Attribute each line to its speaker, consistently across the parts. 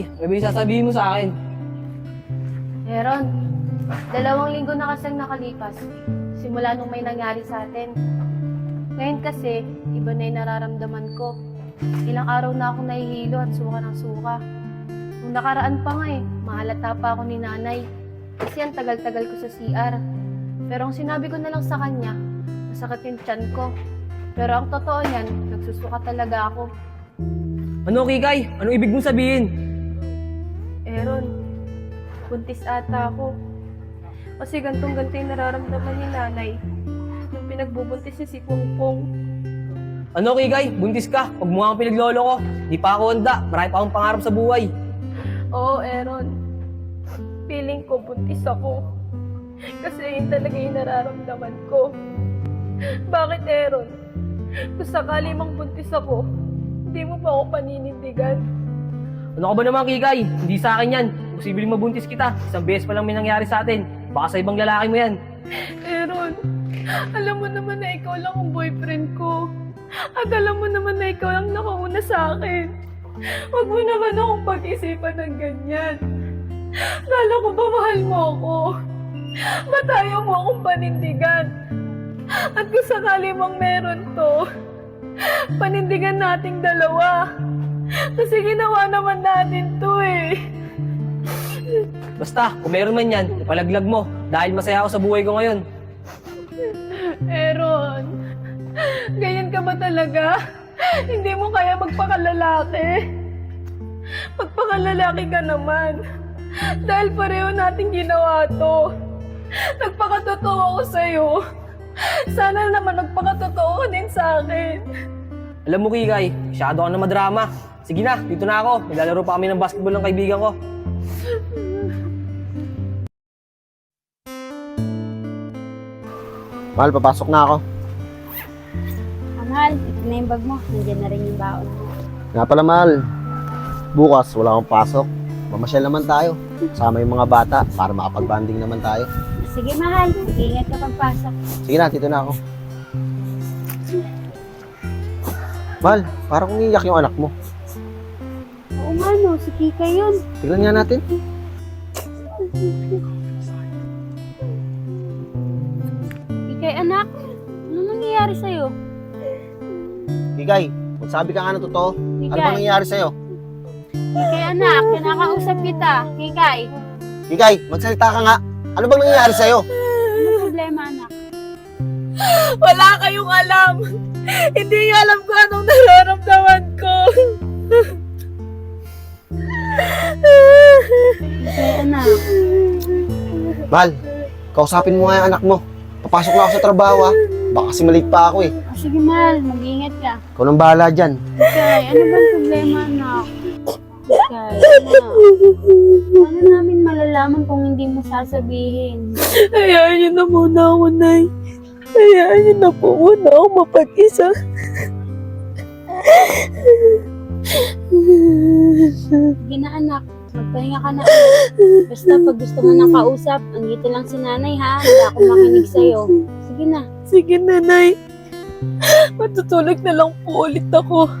Speaker 1: Ano ba yung sasabihin mo sa akin?
Speaker 2: Meron. 2 linggo na kasing nakalipas. Simula nung may nangyari sa atin. Ngayon kasi, iba na yung nararamdaman ko. Ilang araw na ako nahihilo at suka ng suka. Nung nakaraan pa nga mahalata pa ako ni nanay. Kasi ang tagal-tagal ko sa CR. Pero ang sinabi ko na lang sa kanya, masakit yung tiyan ko. Pero ang totoo niyan, nagsusuka talaga ako.
Speaker 1: Ano, Kikay? Anong ibig mong sabihin?
Speaker 2: Aaron, buntis ata ako. Kasi gantong-ganto yung nararamdaman ni nanay nung pinagbubuntis niya si Pongpong.
Speaker 1: Ano, Kikay? Buntis ka. Huwag mo nga pinaglolo ko. Di pa ako handa. Marami pa akong pangarap sa buhay.
Speaker 2: Oo, Aaron. Feeling ko buntis ako. Kasi yun talaga yung nararamdaman ko. Bakit, Aaron? Kung sakali mang buntis ako, hindi mo pa ako paninindigan.
Speaker 1: Ano ka ba naman, Kikay? Hindi sa akin yan. Posibleng mabuntis kita. Isang beses pa lang may nangyari sa atin. Baka sa ibang lalaki mo yan.
Speaker 2: Aaron, alam mo naman na ikaw lang ang boyfriend ko. At alam mo naman na ikaw lang nakauna sa akin. Huwag mo naman akong pag-isipan ng ganyan. Lalo ko ba mahal mo ako? Ba't ayaw mo akong panindigan? At kung sakali mang meron to, panindigan nating dalawa. Kasi ginawa naman natin to
Speaker 1: Basta, kung meron man yan, ipalaglag mo. Dahil masaya ako sa buhay ko ngayon.
Speaker 2: Aaron, ganyan ka ba talaga? Hindi mo kaya magpakalalaki? Magpakalalaki ka naman. Dahil pareho natin ginawa to. Nagpakatotoo ako sa'yo. Sana naman magpakatotoo ka din sa akin.
Speaker 1: Alam mo, Kikay, masyado ka na madrama. Sige na, dito na ako. Naglalaro pa kami ng basketball ng kaibigan ko.
Speaker 3: Mahal, papasok na ako.
Speaker 4: Mahal, ito na yung bag mo. Nandiyan na rin yung baon mo.
Speaker 3: Nga pala, Mahal. Bukas, wala akong pasok. Mamasyal naman tayo. Sama yung mga bata para makapag-banding naman tayo.
Speaker 4: Sige, mahal. Mag-iingat ka pagpasok.
Speaker 3: Sige na, dito na ako. Mahal, parang kung iiyak yung anak mo.
Speaker 4: Oo nga no, si Kika yun.
Speaker 3: Tignan nga natin.
Speaker 4: Kikay anak, ano nangyayari sa'yo?
Speaker 3: Kikay, magsabi ka nga ng totoo. Ano bang
Speaker 4: Kikay,
Speaker 3: nangyayari sa'yo?
Speaker 4: Kikay anak, kinakausap kita. Kikay,
Speaker 3: Kikay, magsalita ka nga. Ano bang nangyayari sa'yo?
Speaker 4: ano problema anak?
Speaker 2: Wala kayong alam. Hindi niyo alam kung anong nararamdaman ko.
Speaker 4: Kikay anak,
Speaker 3: Mahal, kausapin mo nga yung anak mo. Papasok na ako sa trabaho, ha. Baka kasi malate pa ako, eh.
Speaker 4: sige mahal, mag-iingat ka.
Speaker 3: Ikaw nang bahala dyan.
Speaker 4: Kikay, ano bang problema anak? Kikay, anak. Paano namin malalaman kung hindi mo sasabihin?
Speaker 2: Hayaan niyo na muna ako, Nay. Hayaan niyo na po muna ako mapag-isa.
Speaker 4: Sige na anak, magpahinga ka na. Basta pag gusto mo ng kausap, andito lang si nanay ha. Hindi ako makinig sa'yo. Sige na.
Speaker 2: Sige, Nanay. Matutulog na lang po ulit ako.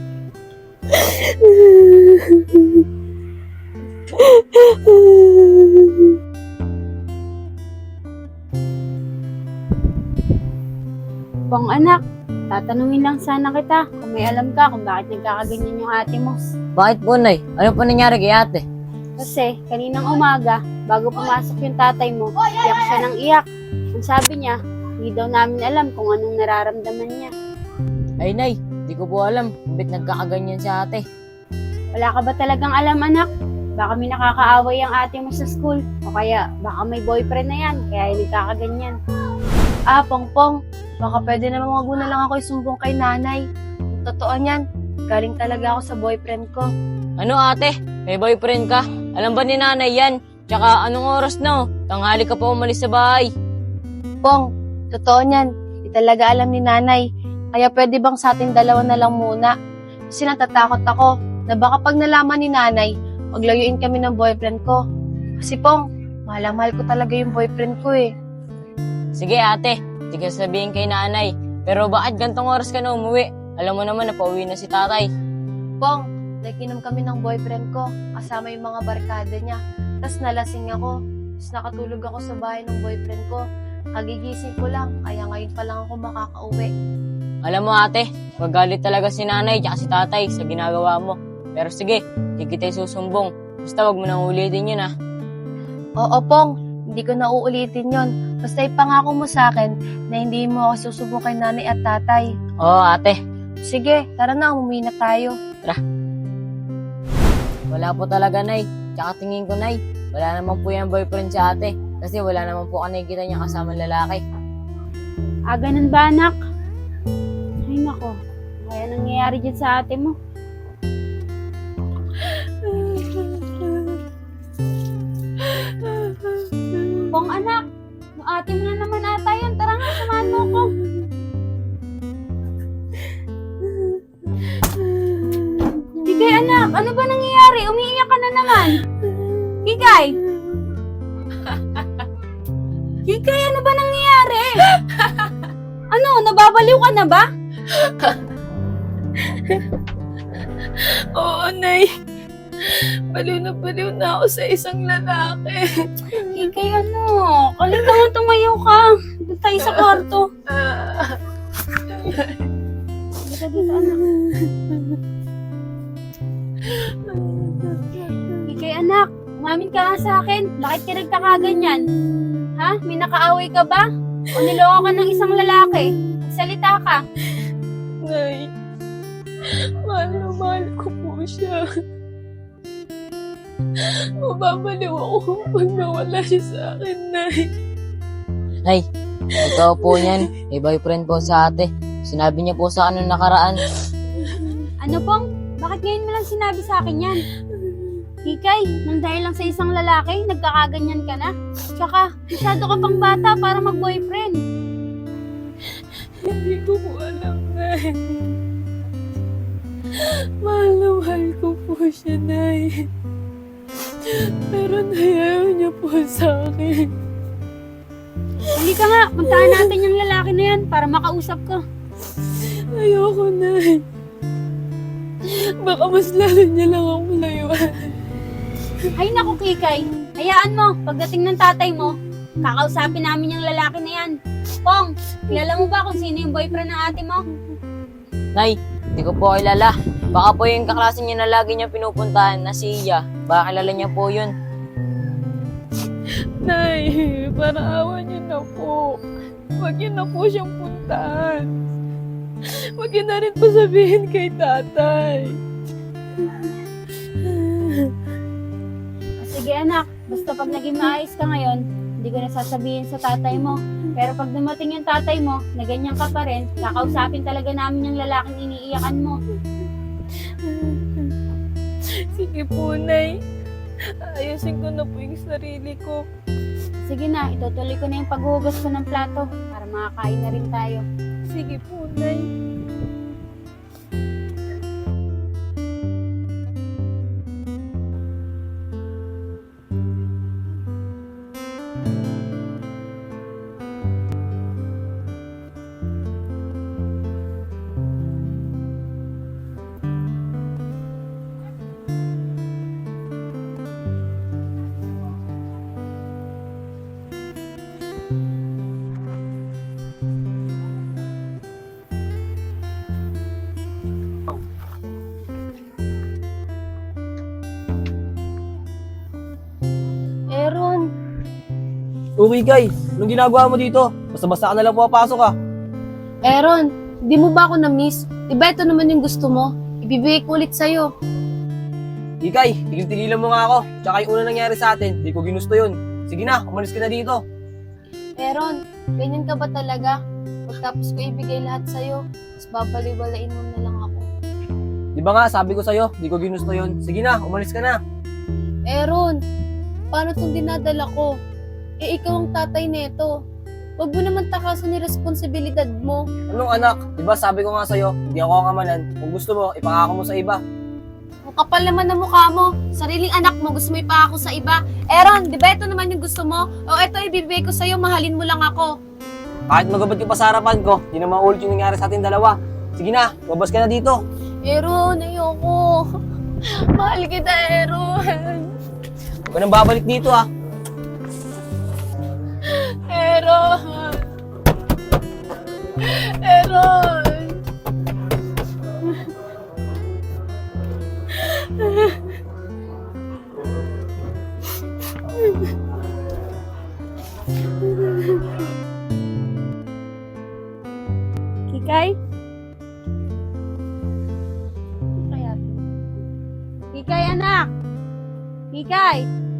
Speaker 4: Pong anak, tatanungin lang sana kita kung may alam ka kung bakit nagkakaganyan yung ate mo.
Speaker 5: Bakit po, Nay? Ano po nangyari kay ate?
Speaker 4: Kasi kaninang umaga, bago pumasok yung tatay mo, iyak siya ng iyak. Ang sabi niya, hindi daw namin alam kung anong nararamdaman niya.
Speaker 5: Ay, Nay, di ko po alam kung ba't nagkakaganyan si ate.
Speaker 4: Wala ka ba talagang alam anak? Baka may nakakaaway ang ate mo sa school. O kaya baka may boyfriend na yan, kaya nagkakaganyan.
Speaker 2: Pongpong, baka pwede naman wag mo na lang ako isumbong kay nanay. Kung totoo niyan, galing talaga ako sa boyfriend ko.
Speaker 5: Ano ate? May boyfriend ka? Alam ba ni nanay yan? Tsaka anong oras na? Tanghali ka pa umalis sa bahay.
Speaker 2: Pong, totoo niyan. Di talaga alam ni nanay. Kaya pwede bang sa ating dalawa na lang muna? Kasi natatakot ako na baka pag nalaman ni nanay, maglayuin kami ng boyfriend ko. Kasi Pong, mahal na mahal ko talaga yung boyfriend ko
Speaker 5: Sige ate, di ka sabihin kay nanay. Pero bakit gantong oras ka na umuwi? Alam mo naman na pauwi na si tatay.
Speaker 2: Pong, nakikinom kami ng boyfriend ko, kasama yung mga barkada niya. Tapos nalasing ako. Tapos nakatulog ako sa bahay ng boyfriend ko. Kagigising ko lang, kaya ngayon pa lang ako makakauwi.
Speaker 5: Alam mo ate, magalit talaga si nanay at si tatay sa ginagawa mo. Pero sige, hindi kita susumbong. Basta wag mo nang ulitin yun ah.
Speaker 2: Oo, Pong. Hindi ko na uulitin yon. Basta ipangako mo sa akin na hindi mo ako susubo kay nanay at tatay.
Speaker 5: Oo ate,
Speaker 2: Sige, tara na, umuwi na tayo.
Speaker 5: wala po talaga nay. Tsaka tingin ko nay, wala naman po yung boyfriend si ate. Kasi wala naman po nakikita niya kasama lalaki.
Speaker 4: Ah, ganun ba, anak? Ay, nako. Kaya nangyayari dyan sa ate mo. Pong, anak. Yung ate mo na naman ata yun. Tara nga, samahan mo ko. Kikay, anak. Ano ba nangyayari? Umiiyak ka na naman. Kikay. Kikay, ano ba nangyayari? Ano, nababaliw ka na ba?
Speaker 6: Oo, Nay. Baliw na ako sa isang lalaki.
Speaker 4: Kikay, ano? Kaling naman tumayo ka. Doon tayo sa kwarto. Dito, anak. Kikay, anak. Umamin ka nga sa akin. Bakit ka nagkakaganyan? Ha? May nakaaway ka ba? O niloko ka ng isang lalaki? Salita ka.
Speaker 6: Nay, mahal na mahal ko po siya. Mababaliw ako pag nawala siya sa akin, Nay.
Speaker 5: Nay, ikaw po niyan. May boyfriend po sa ate. Sinabi niya po sa akin nung nakaraan.
Speaker 4: Ano pong? Bakit ngayon mo lang sinabi sa akin yan? Kikay, nang dahil lang sa isang lalaki, nagkakaganyan ka na? Tsaka, masyado ka pang bata para mag-boyfriend.
Speaker 6: Hindi ko po alam, Nay. Mahal na mahal ko po siya, Nay. Pero nayayaw niya po sa akin.
Speaker 4: Hindi ka nga, puntaan natin yung lalaki na yan para makausap ka.
Speaker 6: Ayoko, Nay. Baka mas lalo niya lang akong layuan.
Speaker 4: Ay naku, Kikay. Hayaan mo, pagdating ng tatay mo, kakausapin namin yung lalaki na yan. Pong, kilala mo ba kung sino yung boyfriend ng ate mo?
Speaker 5: Nay, hindi ko po kilala. Baka po yung kaklase niya na lagi niya pinupuntahan na si Iya. Baka kilala niya po yun.
Speaker 6: Nay, para awa niyo na po. Huwag niyo na po siyang puntahan. Huwag niyo na rin po sabihin kay tatay.
Speaker 4: Sige anak, basta pag naging maayos ka ngayon, hindi ko na sasabihin sa tatay mo. Pero pag dumating yung tatay mo, na ganyan ka pa rin, kakausapin talaga namin yung lalaking iniiyakan mo.
Speaker 6: Sige po, Nay. Ayusin ko na po yung sarili ko.
Speaker 4: Sige na, itutuloy ko na yung paghuhugas ko ng plato para makakain na rin tayo.
Speaker 6: Sige po, Nay.
Speaker 2: Aaron,
Speaker 1: Okay, Kay. Anong ginagawa mo dito? Basta-basta ka na lang pumapasok ah.
Speaker 2: Aaron, di mo ba ako na-miss? Diba ito naman yung gusto mo? Ibibigay ko ulit sa'yo.
Speaker 1: Ikay, tigil-tigilan mo nga ako. Tsaka yung una nangyari sa atin, di ko ginusto yun. Sige na, umalis ka na dito.
Speaker 2: Aaron, ganyan ka ba talaga? Pagtapos ko ibigay lahat sa'yo, tapos babaliwalain mo na lang ako.
Speaker 1: Di ba nga, sabi ko sa'yo, di ko ginusto yun. Sige na, umalis ka na.
Speaker 2: Aaron, paano itong dinadala ko? Eh, ikaw ang tatay neto. Huwag mo naman takasan yung responsibilidad mo.
Speaker 1: Anong anak? Di ba sabi ko nga sa'yo, hindi ako ang amanan. Kung gusto mo, ipangako mo sa iba.
Speaker 2: Ang kapal naman ng mukha mo. Sariling anak mo, gusto mo ipangako sa iba. Aaron, di ba ito naman yung gusto mo? O ito ibibigay ko sa'yo, mahalin mo lang ako.
Speaker 1: Kahit magabad ka pa sa harapan ko, di na maulit yung nangyari sa ating dalawa. Sige na, babas ka na dito.
Speaker 2: Aaron, ayoko.
Speaker 6: Mahal kita, Aaron.
Speaker 1: Huwag ka nang babalik dito ah.
Speaker 6: Aaron. Aaron.
Speaker 4: Kikay? Ano kaya? Kikay, anak! Kikay!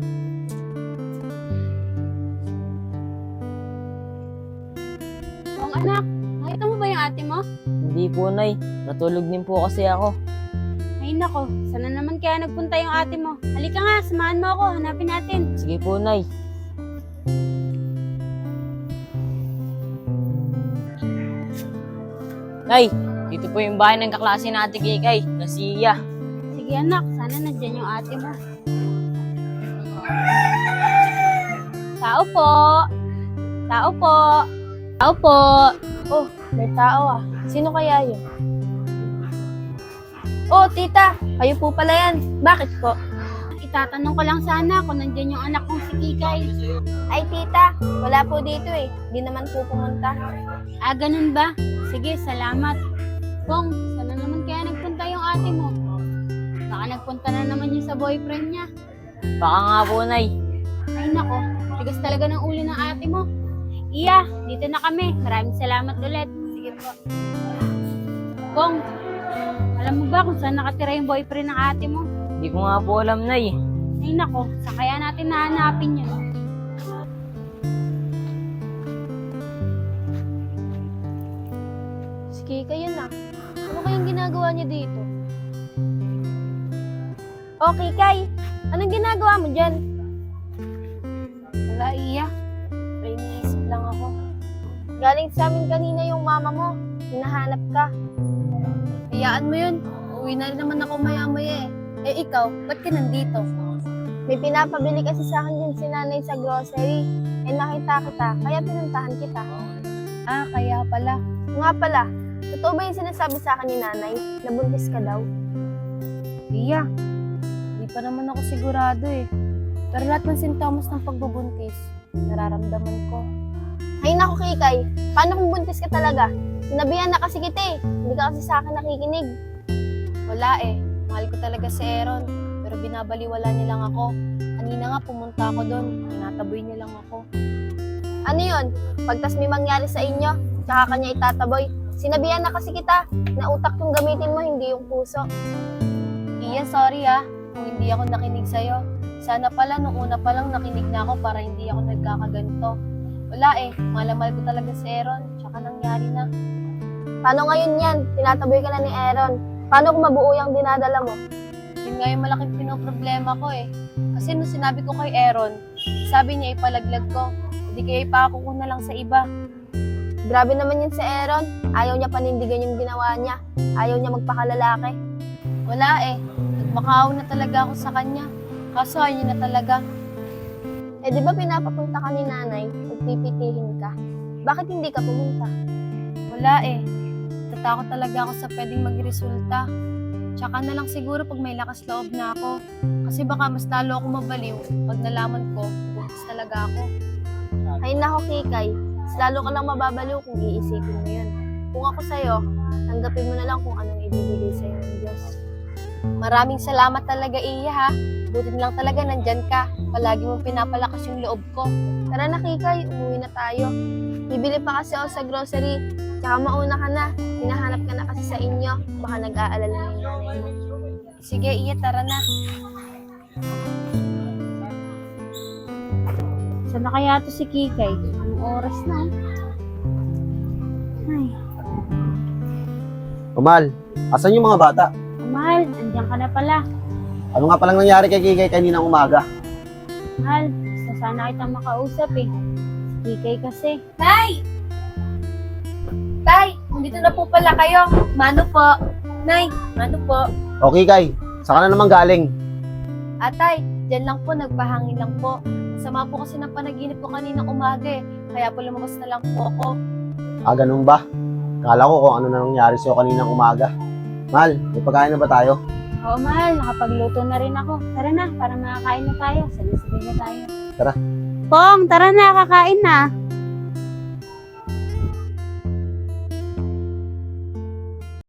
Speaker 4: Kung anak, nakita mo ba yung ate mo?
Speaker 5: Hindi po, Nay. Natulog din po kasi ako.
Speaker 4: Ay nako, sana naman kaya nagpunta yung ate mo. Halika nga, samahan mo ako, hanapin natin.
Speaker 5: Sige po, Nay. Nay, dito po yung bahay ng kaklase na Ate Kikay, na si Iya.
Speaker 4: Sige anak, sana nandyan yung ate mo. Tao po! Tao po! Tao po!
Speaker 2: Oh, may tao ah. Sino kaya yun? Oh, tita, kayo po pala yan. Bakit po?
Speaker 4: Itatanong ko lang sana kung nandyan yung anak kong si Kikay.
Speaker 2: Ay, tita, wala po dito eh. Di naman po pumunta.
Speaker 4: Ah, ganun ba? Sige, salamat. Kung, sana naman kaya nagpunta yung ate mo? Baka nagpunta na naman yun sa boyfriend niya.
Speaker 5: Baka nga po, Nay.
Speaker 4: Ay nako, tigas talaga ng ulo ng ate mo. Iya, dito na kami. Maraming salamat ulit. Sige po. Kung, alam mo ba kung saan nakatira yung boyfriend ng ate mo?
Speaker 5: Hindi ko nga po alam, Nay.
Speaker 4: Ay nako, saan kaya natin nahanapin yun?
Speaker 2: Sige, kayo na. Ano kayang ginagawa niya dito? Okay, Kay. Anong ginagawa mo dyan? Wala, Iya. May iniisip lang ako. Galing sa amin kanina yung mama mo. Hinahanap ka. Hayaan mo yun. Uwi na rin naman ako maya-maya eh. Eh ikaw, ba't ka nandito? May pinapabili kasi sa akin din si nanay sa grocery. Eh nakita kita, kaya pinuntahan kita. Ah, kaya pala. Nga pala, totoo ba yung sinasabi sa akin ni nanay? Nabuntis ka daw? Iya, hindi pa naman ako sigurado eh. Pero lahat ng sintomas ng pagbubuntis, nararamdaman ko. Ay naku, Kikay, paano kung buntis ka talaga? Sinabihan na kasi kita eh. Hindi ka kasi sa akin nakikinig. Wala eh. Mahal ko talaga si Aaron. Pero binabaliwala niya lang ako. Kanina nga pumunta ako doon. Tinataboy niya lang ako. Ano yun? Pagtas may mangyari sa inyo, tsaka kanya itataboy. Sinabihan na kasi kita na utak yung gamitin mo, hindi yung puso. Iya, sorry ah. Kung hindi ako nakinig sa'yo. Sana pala, nung una pa lang nakinig na ako para hindi ako nagkakaganto. Wala eh. Malamal ko talaga si Aaron. Tsaka nangyari na. Paano ngayon yan? Tinataboy ka na ni Aaron. Paano kung mabuo yung dinadala mo? Yun nga yung malaking pinoproblema ko eh. Kasi nung sinabi ko kay Aaron, sabi niya ipalaglag ko. Hindi kaya ipako ko na lang sa iba. Grabe naman yun si Aaron. Ayaw niya panindigan yung ginawa niya. Ayaw niya magpakalalaki. Wala eh. Nagmakaaw na talaga ako sa kanya. Kaso ayaw na talaga. Eh di ba pinapapunta ka ni nanay at pipitihin ka? Bakit hindi ka pumunta? Wala eh. Tatakot talaga ako sa pwedeng magresulta. Tsaka na lang siguro pag may lakas loob na ako. Kasi baka mas lalo ako mabaliw pag nalaman ko, buntis talaga ako. Ay nako, Kikay. Mas lalo ka lang mababaliw kung iisipin mo yun. Kung ako sa'yo, tanggapin mo na lang kung anong ibibigay sa'yo ng Diyos. Maraming salamat talaga, Iya ha. Buti lang talaga nandyan ka. Palagi mong pinapalakas yung loob ko. Tara na, Kikay. Umuwi na tayo. Bibili pa kasi ako sa grocery. Tsaka mauna ka na. Hinahanap ka na kasi sa inyo. Baka nag-aalala na yung nanay mo. Sige, Iya, tara na.
Speaker 4: Saan na kaya to si Kikay? Anong oras na? Ay,
Speaker 3: Umal, asan yung mga bata?
Speaker 4: Mahal, andiyan ka na pala.
Speaker 3: Ano nga palang nangyari kay Kikay kaninang umaga?
Speaker 4: Mahal, gusto sana kitang makausap eh. Si Kikay kasi.
Speaker 2: Tay! Tay! Nandito na po pala kayo. Mano po? Nay, mano po?
Speaker 3: O Kikay, saan ka na naman galing?
Speaker 2: Atay, dyan lang po, nagpahangin lang po. Sama po kasi ng panaginip ko kaninang umaga eh. Kaya po lumabas na lang po ako.
Speaker 3: Ah, ganun ba? Kala ko kung ano na nangyari sa'yo kaninang umaga. Mal, may pagkain na ba tayo?
Speaker 4: Oo, mahal. Nakapagluto na rin ako. Tara na, para makakain na tayo. Sabay-sabay na tayo.
Speaker 3: Tara.
Speaker 4: Pong, tara na. Kakain na.